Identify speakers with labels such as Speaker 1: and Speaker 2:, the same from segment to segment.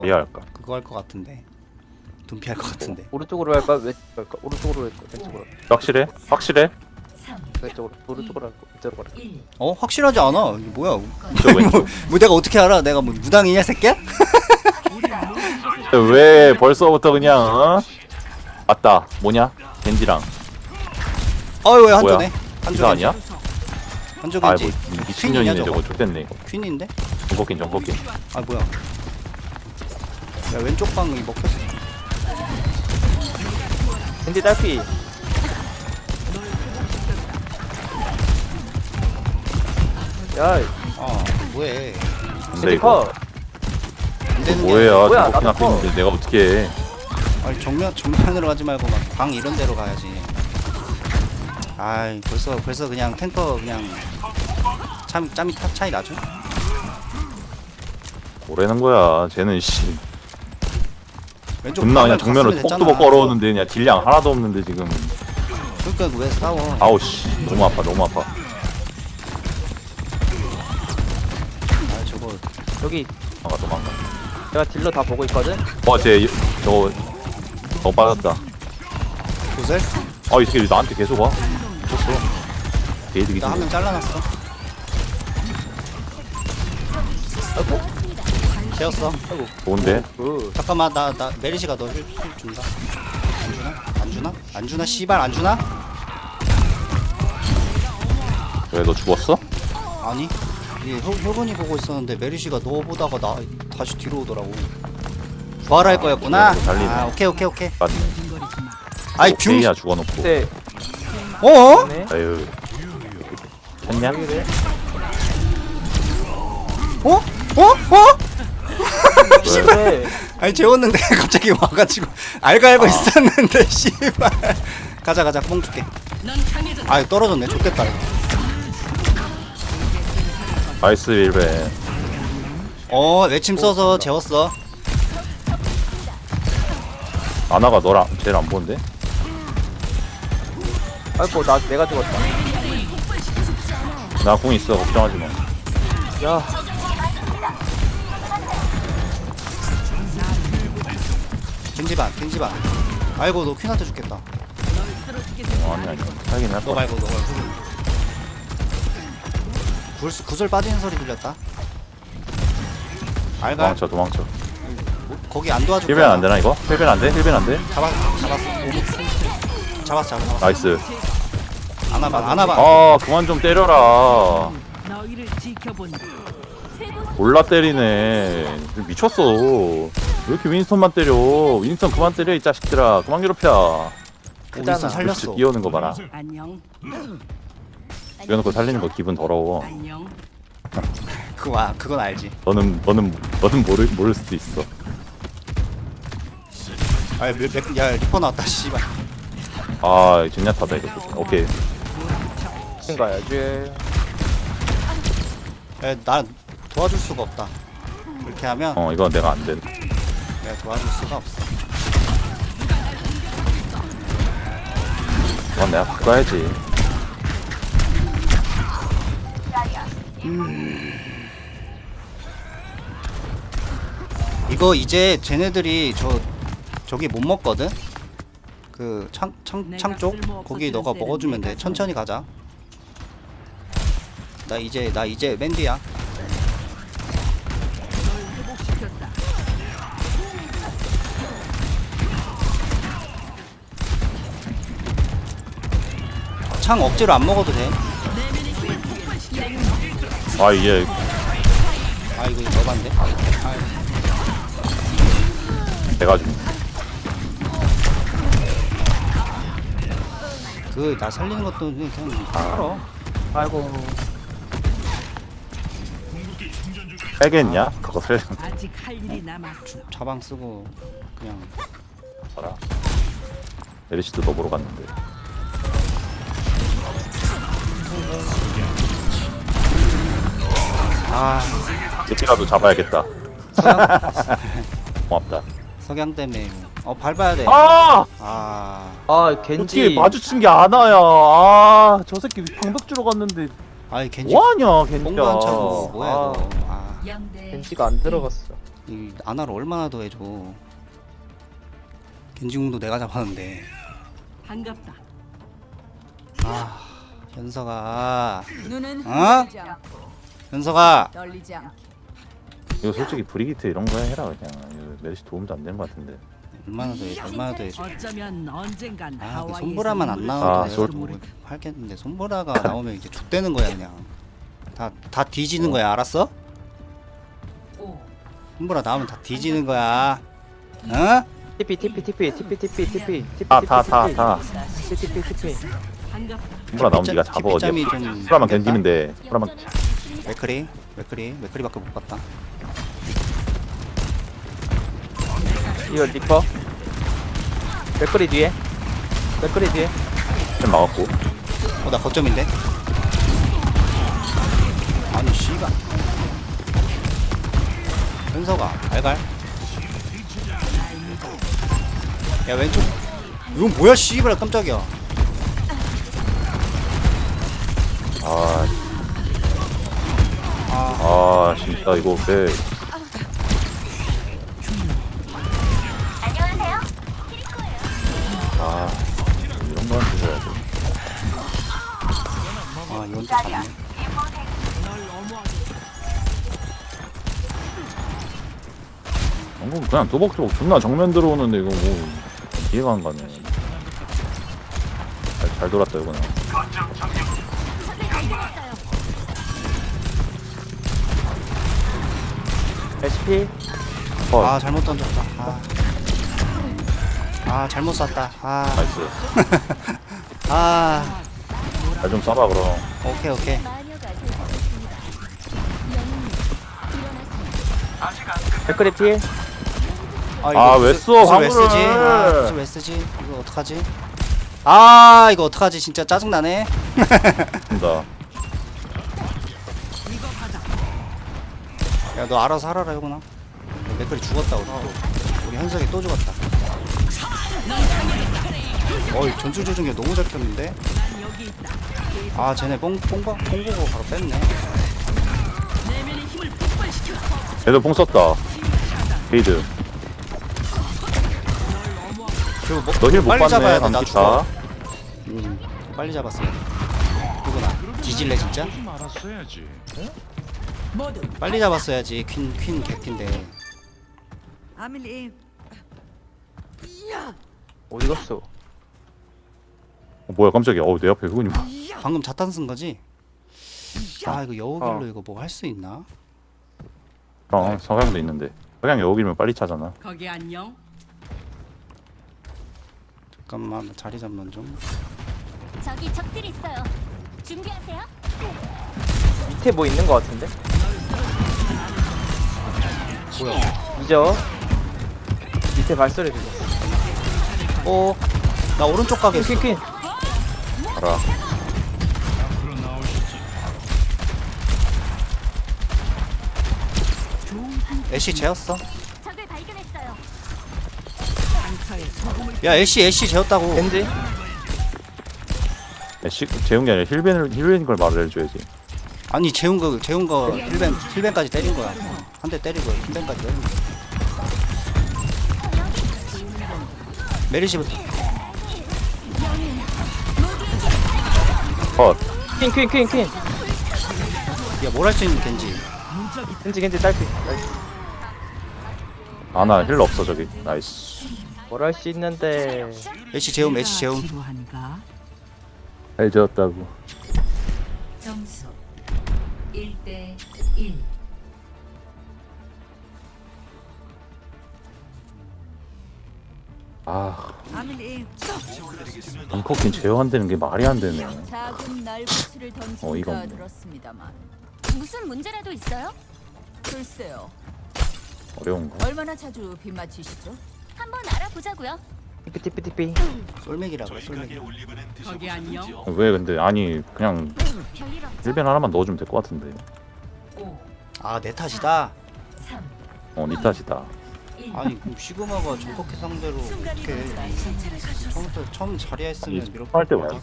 Speaker 1: 어디 할까?
Speaker 2: 그거 할 것 같은데. 둠피 할 것 같은데.
Speaker 3: 오른쪽으로 할까? 왼쪽으로 할까? 오른쪽으로 할까? 왼쪽으로 할까?
Speaker 1: 확실해? 확실해?
Speaker 3: 왼쪽으로 오른쪽으로 할까? 왼쪽으로 할까?
Speaker 2: 어 확실하지 않아. 이게 뭐야?
Speaker 1: 저 왼쪽.
Speaker 2: 뭐 내가 어떻게 알아? 내가 뭐 무당이냐 새끼야?
Speaker 1: 왜 벌써부터 그냥 어? 맞다. 뭐냐? 겐지랑
Speaker 2: 어이 왜
Speaker 1: 뭐야?
Speaker 2: 한조네?
Speaker 1: 이사 아니야?
Speaker 2: 한조
Speaker 1: 아이
Speaker 2: 겐지.
Speaker 1: 뭐 미친년이네
Speaker 2: 퀸이냐,
Speaker 1: 저거. 족됐네 이거.
Speaker 2: 퀸인데?
Speaker 1: 정복긴 정복긴.
Speaker 2: 아 뭐야? 야 왼쪽 방이 먹혔어.
Speaker 3: 겐지 딸피. 야,
Speaker 2: 아 뭐해?
Speaker 1: 근데
Speaker 3: 겐지
Speaker 1: 이거
Speaker 3: 컷.
Speaker 2: 안 되는 게
Speaker 1: 뭐야?
Speaker 3: 뭐야,
Speaker 1: 정복긴
Speaker 3: 나도
Speaker 1: 앞에 있는데 내가 어떻게 해?
Speaker 2: 아니 정면으로 가지 말고 막 방 이런 데로 가야지. 아이 벌써 그냥 탱커 그냥 짬이 차이 나죠?
Speaker 1: 뭐라는 거야? 쟤는 씨.
Speaker 2: 왼쪽
Speaker 1: 존나 그냥
Speaker 2: 방을
Speaker 1: 정면으로
Speaker 2: 갔으면
Speaker 1: 톡뚜벅
Speaker 2: 됐잖아.
Speaker 1: 걸어오는데 그냥 딜량 하나도 없는데 지금.
Speaker 2: 그러니까 왜 싸워?
Speaker 1: 아우 씨. 너무 아파 너무 아파.
Speaker 2: 아 저거
Speaker 3: 여기
Speaker 1: 도망가.
Speaker 3: 내가 딜러 다 보고 있거든.
Speaker 1: 쟤 저거 빠졌다.
Speaker 2: 구슬?
Speaker 1: 이 새끼 왜 나한테 계속 와? 미쳤어. 개이득이지.
Speaker 2: 나 한 명 잘라놨어. 아이고 재웠어. 아이고
Speaker 1: 좋은데?
Speaker 3: 그
Speaker 2: 잠깐만 나 메리시가 너 힐 준다. 안 주나? 안 주나? 안 주나? 씨발 안 주나?
Speaker 1: 왜 너 죽었어?
Speaker 2: 아니 이게 혈분이 보고 있었는데 메리시가 너 보다가 나 다시 뒤로 오더라고. 부활할 거였구나.
Speaker 1: 그래도 달리네.
Speaker 2: 아 오케이.
Speaker 1: 맞네.
Speaker 2: 아이 뷰.
Speaker 1: 오케이야 죽어놓고.
Speaker 3: 그때
Speaker 2: 어?
Speaker 3: 네.
Speaker 1: 아유. 했냐?
Speaker 3: 그래?
Speaker 2: 어?
Speaker 3: 그래.
Speaker 2: 아니 재웠는데 갑자기 와가지고 알고 있었는데 씨발. 가자 뽕 줄게. 아 떨어졌네. 좋겠다 이거.
Speaker 1: 나이스 윌베.
Speaker 2: 외침 써서 재웠어.
Speaker 1: 아나가 너랑 쟤를 안 보는데?
Speaker 3: 아이고 나 내가 죽었다.
Speaker 1: 나 공 있어 걱정하지 마.
Speaker 3: 야,
Speaker 2: 겐지반. 아이고 너 퀸한테 죽겠다.
Speaker 1: 아니 살긴 할
Speaker 2: 너
Speaker 1: 거야.
Speaker 2: 말고 너 구슬 빠지는 소리 들렸다. 알갈
Speaker 1: 도망쳐.
Speaker 2: 거기 안 도와줄
Speaker 1: 힐벤
Speaker 2: 거야.
Speaker 1: 안 되나 이거? 힐벤 안 돼? 힐벤 안 돼?
Speaker 2: 잡았어.
Speaker 1: 나이스.
Speaker 2: 안아봐.
Speaker 1: 그만 좀 때려라.
Speaker 4: 너희를 지켜본다.
Speaker 1: 몰라 때리네. 미쳤어. 왜 이렇게 윈스턴만 때려? 윈스턴 그만 때려 이 자식들아. 그만 괴롭혀.
Speaker 2: 윈스턴 살렸어.
Speaker 1: 끼우는 거 봐라.
Speaker 4: 안녕.
Speaker 1: 끼워놓고 살리는 거 기분 더러워.
Speaker 4: 안녕.
Speaker 2: 그건 알지.
Speaker 1: 너는 모를 수도 있어.
Speaker 2: 야 리퍼 나왔다 씨발.
Speaker 1: 젠야타다 이거. 오케이.
Speaker 3: 신 가야지.
Speaker 2: 나 도와줄 수가 없다. 그렇게 하면
Speaker 1: 이건 내가 안 돼.
Speaker 2: 내가 도와줄 수가 없어.
Speaker 1: 이건 내가 바꿔야지.
Speaker 2: 이거 이제 쟤네들이 저기 못 먹거든. 그 창 쪽 거기 너가 먹어주면 돼. 천천히 가자. 나 이제 맨디야.
Speaker 4: 회복시켰다.
Speaker 2: 창 억지로 안 먹어도 돼.
Speaker 1: 이게
Speaker 2: 이거 너반데.
Speaker 1: 내가 좀
Speaker 2: 나 살리는 것도 그냥 살아.
Speaker 3: 아이고.
Speaker 1: 살겠냐? 그것을
Speaker 4: 아직 할 일이 남았어.
Speaker 2: 자방 쓰고 그냥.
Speaker 1: 봐라. 에리시도 너 보러 갔는데. 제피라도 잡아야겠다. 고맙다.
Speaker 2: 석양 때문에 밟아야 돼.
Speaker 1: 아!
Speaker 3: 겐지.
Speaker 1: 어떻게 마주친 게 아나야. 저 새끼 방벽주러 갔는데
Speaker 2: 겐지
Speaker 1: 뭐하냐 겐지야.
Speaker 2: 뽕도 안 차고 뭐야 이거.
Speaker 3: 겐지가 안 들어갔어.
Speaker 2: 이 아나를 얼마나 더 해줘. 겐지궁도 내가 잡았는데.
Speaker 4: 반갑다.
Speaker 2: 아 현석아.
Speaker 5: 눈은
Speaker 2: 어?
Speaker 5: 흔들리지 않고
Speaker 2: 현석아.
Speaker 5: 떨리지 않게.
Speaker 1: 이거 솔직히 브리기트 이런 거 해라 그냥. 이거 메르시 도움도 안 되는 것 같은데.
Speaker 2: 얼마나 더 해줘. 얼마나 더 해줘.
Speaker 4: 어쩌면 언젠간
Speaker 2: 아, 그
Speaker 4: 하와이에서
Speaker 2: 손보라만 안
Speaker 4: 눈을
Speaker 2: 나와도
Speaker 1: 아,
Speaker 2: 내가
Speaker 1: 솔-
Speaker 2: 뭐 할겠는데 손보라가 나오면 이제 죽되는 거야 그냥. 다 뒤지는 거야 알았어? 손보라 나오면 다 뒤지는 거야. 어?
Speaker 3: TP
Speaker 1: 다.
Speaker 3: TP.
Speaker 4: 반갑다.
Speaker 1: 손보라 나오면 네가 잡아 어디야.
Speaker 2: TP 짬이 좀
Speaker 1: 손보라만 견디면 돼. 손보라만.
Speaker 2: 맥크리밖에 못 봤다.
Speaker 3: 이거 리퍼. 맥거리 뒤에.
Speaker 1: 좀 막았고.
Speaker 2: 나 거점인데? 아니 씨발 현석아 알갈? 야 왼쪽 이건 뭐야 씨발 깜짝이야.
Speaker 1: 진짜 이거 왜. 이런 거한테 줘야 돼.
Speaker 2: 이건 또 잡네.
Speaker 1: 방금 그냥 또벅또벅 존나 정면 들어오는데 이거 뭐 이해가 안 가네. 잘 돌았다 이거는.
Speaker 3: SP.
Speaker 2: 잘못 던졌다. 잘못 쐈다.
Speaker 1: 나이스. 잘 좀 쏴봐 그럼.
Speaker 2: 오케이.
Speaker 3: 맥거리 필.
Speaker 1: 왜 써,
Speaker 2: 왜
Speaker 1: 화물을.
Speaker 2: 쓰지? 무슨 왜 쓰지? 이거 어떡하지? 이거 어떡하지? 진짜 짜증나네.
Speaker 1: 된다.
Speaker 4: 이거 받아.
Speaker 2: 야 너 알아서 하라라 형아. 맥클이 죽었다 우리 현석이 또 죽었다. 전술 조준기 너무 잘 켰는데.
Speaker 4: 난 여기 있다.
Speaker 2: 쟤네 뽕 보고 바로 뺐네.
Speaker 4: 내면의 힘을 폭발시켜.
Speaker 1: 얘도 뽕 썼다. 게이드.
Speaker 2: 그리고
Speaker 1: 너 힐 못
Speaker 2: 빨리
Speaker 1: 받네.
Speaker 2: 잡아야 돼. 나
Speaker 1: 감기
Speaker 2: 죽어.
Speaker 1: 다.
Speaker 2: 빨리 잡았어. 누구나 뒤질래 진짜?
Speaker 4: 모두
Speaker 2: 빨리 잡았어야지. 퀸 개핀데.
Speaker 4: 아밀리.
Speaker 3: 어디 갔어?
Speaker 1: 뭐야 깜짝이야. 내 앞에 그분이 뭐.
Speaker 2: 방금 자탄 쓴 거지? 이거 여우길로 이거 뭐 할 수 있나?
Speaker 1: 석양도 있는데. 석양 여기면 빨리 차잖아.
Speaker 4: 거기 안녕.
Speaker 2: 잠깐만 나 자리 잡는 좀.
Speaker 6: 저기 적들이 있어요. 준비하세요.
Speaker 3: 밑에 뭐 있는 거 같은데? 이죠? 밑에 발소리 들렸어.
Speaker 2: 나 오른쪽 가겠어.
Speaker 3: 퀸.
Speaker 1: 알아.
Speaker 2: 애쉬 재웠어.
Speaker 6: 적을 발견했어요.
Speaker 4: 상처에 소금을
Speaker 2: 야 애쉬 재웠다고.
Speaker 3: 겐지.
Speaker 1: 재운 게 아니라 힐벤 걸 말을 해줘야지.
Speaker 2: 아니 재운 거 힐벤까지 때린 거야. 한 대 때리고 힐벤까지 때린 거야. 메리시부터.
Speaker 1: 컷.
Speaker 3: 퀸.
Speaker 2: 야뭘 할 수 있는 겐지.
Speaker 3: 겐지 딸피.
Speaker 1: 아나 힐러 없어 저기. 나이스.
Speaker 3: 뭘 할 수 있는데.
Speaker 2: 애쉬 재움.
Speaker 4: 지루한가?
Speaker 1: 잘 지었다고.
Speaker 5: 점수 1대 1.
Speaker 4: 아밀리.
Speaker 1: 벙커킨 제어한다는 게 말이 안 되네.
Speaker 5: 작은 날부치를
Speaker 1: 이거
Speaker 5: 던진다
Speaker 1: 뭐.
Speaker 5: 들었습니다만
Speaker 6: 무슨 문제라도 있어요?
Speaker 5: 글쎄요.
Speaker 1: 어려운 거.
Speaker 5: 얼마나 자주 빗맞히시죠?
Speaker 6: 한번 알아보자고요.
Speaker 3: TP.
Speaker 2: 솔맥이라고 해, 솔맥.
Speaker 4: 거기 안녕.
Speaker 1: 왜 근데 아니 그냥
Speaker 6: 별일 없죠?
Speaker 1: 힐벤 하나만 넣어주면 될 것 같은데.
Speaker 5: 5,
Speaker 2: 내 탓이다.
Speaker 5: 3,
Speaker 1: 니 탓이다.
Speaker 5: 1.
Speaker 2: 아니 그럼 시그마가 정복해 상대로 어떻게 처음 자리에 했으면
Speaker 1: 아니,
Speaker 2: 이렇게
Speaker 1: 할 때 뭐야?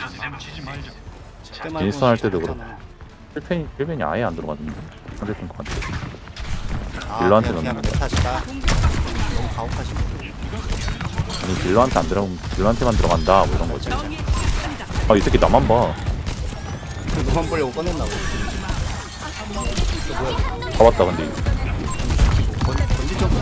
Speaker 2: 그때 말고
Speaker 1: 인스턴 할 때도
Speaker 2: 잘했잖아.
Speaker 1: 힐벤이 아예 안 들어갔는데. 상대편 것 같아. 딜러한테
Speaker 2: 그냥
Speaker 1: 넣는 거야.
Speaker 2: 못하시다. 너무 가혹하시네.
Speaker 1: 아니 딜러한테 안 들어가면 딜러한테만 들어간다 뭐 이런 거지. 아 이 새끼 나만 봐.
Speaker 2: 너만 보려고 꺼냈나 봐.
Speaker 1: 잡았다 근데.
Speaker 2: 건지 좀.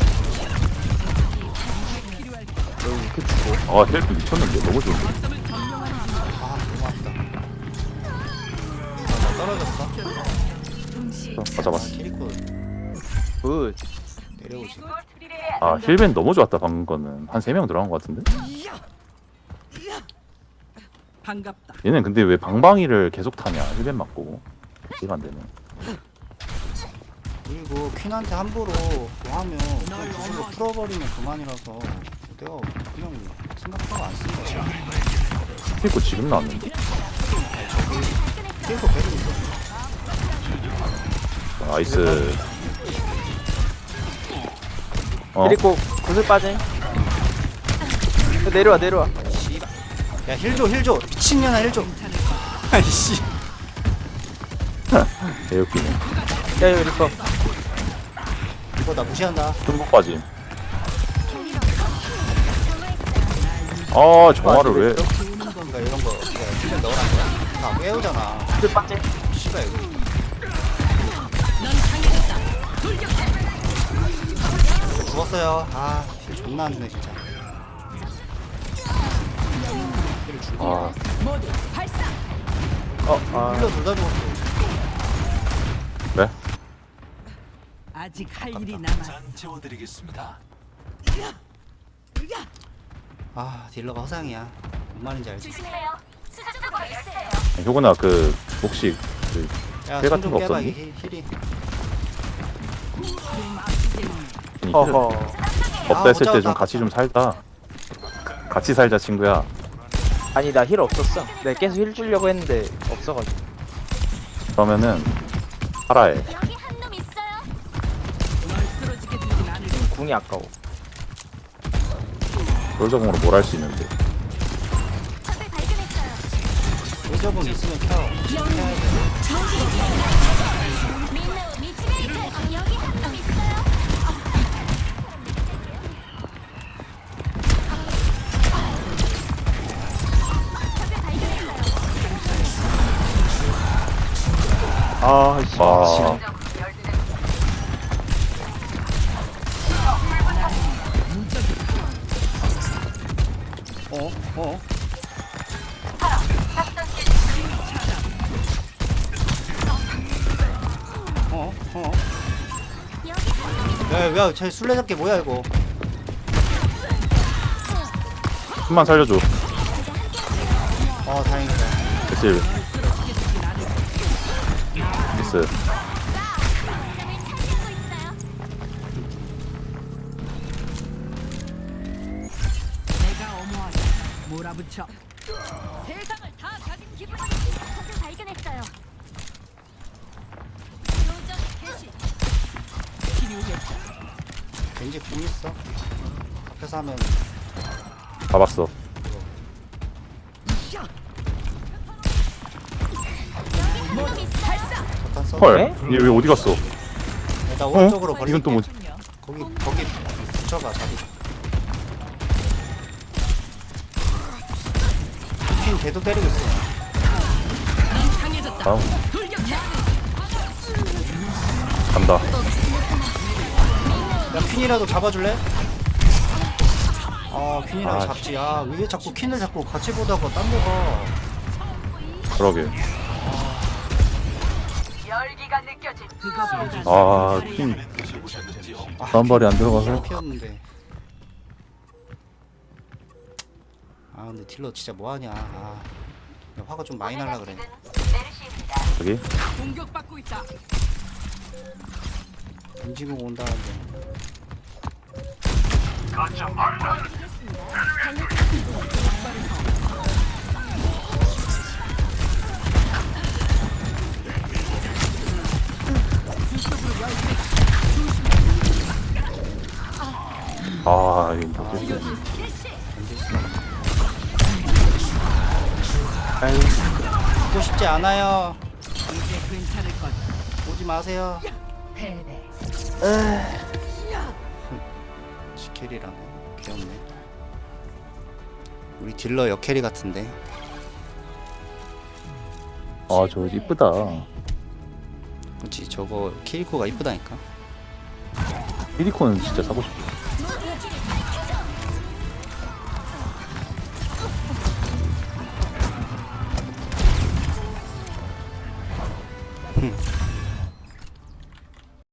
Speaker 3: 그 주고.
Speaker 1: 아 헬프 미쳤는데 너무 좋은데.
Speaker 2: 아 너무 아프다. 나 떨어졌어.
Speaker 1: 아 잡았어.
Speaker 2: 키리코
Speaker 3: 굿.
Speaker 2: 내려오지.
Speaker 1: 아 힐벤 너무 좋았다 방금 거는. 한 3명 들어간 거 같은데?
Speaker 4: 반갑다.
Speaker 1: 얘는 근데 왜 방방이를 계속 타냐 힐벤 맞고. 이해가 안 되네.
Speaker 2: 그리고 퀸한테 함부로 그거 하면 그냥 기술로 풀어버리면 그만이라서 내가 그냥 생각하고 안 쓴다.
Speaker 1: 힐코 지금 나왔는데?
Speaker 2: 키리코 배를 있어.
Speaker 1: 나이스. 어?
Speaker 3: 그리고 구슬 빠짐. 내려와 내려와.
Speaker 2: 씨발. 야 힐 줘. 미친년아 힐 줘. 아이씨.
Speaker 1: 개웃기네.
Speaker 3: 야 이거 리퍼.
Speaker 2: 이거 나 무시한다.
Speaker 1: tum복 빠짐. 아 정화를 왜?
Speaker 2: 그러니까 이런 거 힐 넣으란 거야? 나 깨우잖아.
Speaker 3: 구슬 빠짐.
Speaker 2: 씨발 이거. 죽었어요. 아, 힐 존나 안 주네 진짜. 힐을 주고.
Speaker 1: 아
Speaker 3: 아.
Speaker 2: 힐러 둘 다 죽었어.
Speaker 1: 그래?
Speaker 4: 아직 할 일이 남았어.
Speaker 2: 아, 딜러가 허상이야. 뭔 말인지 알지?
Speaker 6: 조심해요. 수주가 있어요.
Speaker 1: 효구나 그 혹시 그
Speaker 2: 야,
Speaker 1: 힐
Speaker 2: 손
Speaker 1: 같은
Speaker 2: 좀
Speaker 1: 거
Speaker 2: 깨봐.
Speaker 1: 없었니?
Speaker 2: 이게 힐이.
Speaker 1: 힐
Speaker 3: 허허.
Speaker 1: 없다
Speaker 2: 아,
Speaker 1: 했을
Speaker 2: 못
Speaker 1: 때 좀
Speaker 2: 잡았다.
Speaker 1: 같이 좀 살다. 같이 살자 친구야.
Speaker 3: 아니 나 힐 없었어. 내가 계속 힐 주려고 했는데 없어가지고.
Speaker 1: 그러면은 살아해.
Speaker 6: 여기 한 놈 있어요.
Speaker 4: 널 쓰러지게 두진 않을 거야.
Speaker 3: 궁이 아까워.
Speaker 1: 솔저공으로 뭘 할 수 있는데.
Speaker 6: 적을 발견했어요.
Speaker 2: 의저분 있으면 켜.
Speaker 6: 민노 미치베이트. 여기 한 놈 있어요. 적을 발견했어요.
Speaker 3: 아 씨.
Speaker 1: 아
Speaker 2: 어? 어? 야, 쟤 술래잡기 뭐야 이거?
Speaker 1: 힘만 살려줘.
Speaker 2: 다행이다.
Speaker 1: 됐지. 미스.
Speaker 6: 점을 차지하고 있어요.
Speaker 4: 내가 어머하다. 몰아붙여. 세상을 다 가진 기분.
Speaker 6: 적을 발견했어요. 교전 개시.
Speaker 4: 필요해.
Speaker 2: 왠지 궁 있어. 앞에서 하면
Speaker 1: 잡았어.
Speaker 2: 잠깐 써.
Speaker 1: 헐.
Speaker 3: 네?
Speaker 1: 얘 왜 어디 갔어?
Speaker 2: 일단 오른쪽으로 버릴게.
Speaker 1: 이건 또 뭐지?
Speaker 2: 거기 붙여봐 자리. 퀸 걔도 때리고 있어.
Speaker 1: 다음. 간다.
Speaker 2: 야 퀸이라도 잡아줄래? 퀸이라도
Speaker 1: 아,
Speaker 2: 잡지. 왜 자꾸 퀸을 잡고 같이 보다가 딴 데 가.
Speaker 1: 그러게.
Speaker 4: 그것보다
Speaker 1: 아, 퀸 다음 발이 안 들어가서.
Speaker 2: 피었는데. 근데 딜러 진짜 뭐하냐. 야, 화가 좀 많이 날라 그래.
Speaker 1: 여기.
Speaker 4: 공격받고 있다.
Speaker 2: 움직이고 온다는데.
Speaker 1: 아, 이거 뭐지?
Speaker 3: 아유.
Speaker 2: 죽고 싶지 않아요.
Speaker 4: 이제 괜찮을 거다.
Speaker 2: 오지 마세요.
Speaker 5: 패배.
Speaker 2: 시캐리라네. 귀엽네. 우리 딜러 역캐리 같은데.
Speaker 1: 아, 저 이쁘다.
Speaker 2: 그렇지, 저거 키리코가 이쁘다니까.
Speaker 1: 히리코는 진짜 사고 싶어.
Speaker 2: 흠.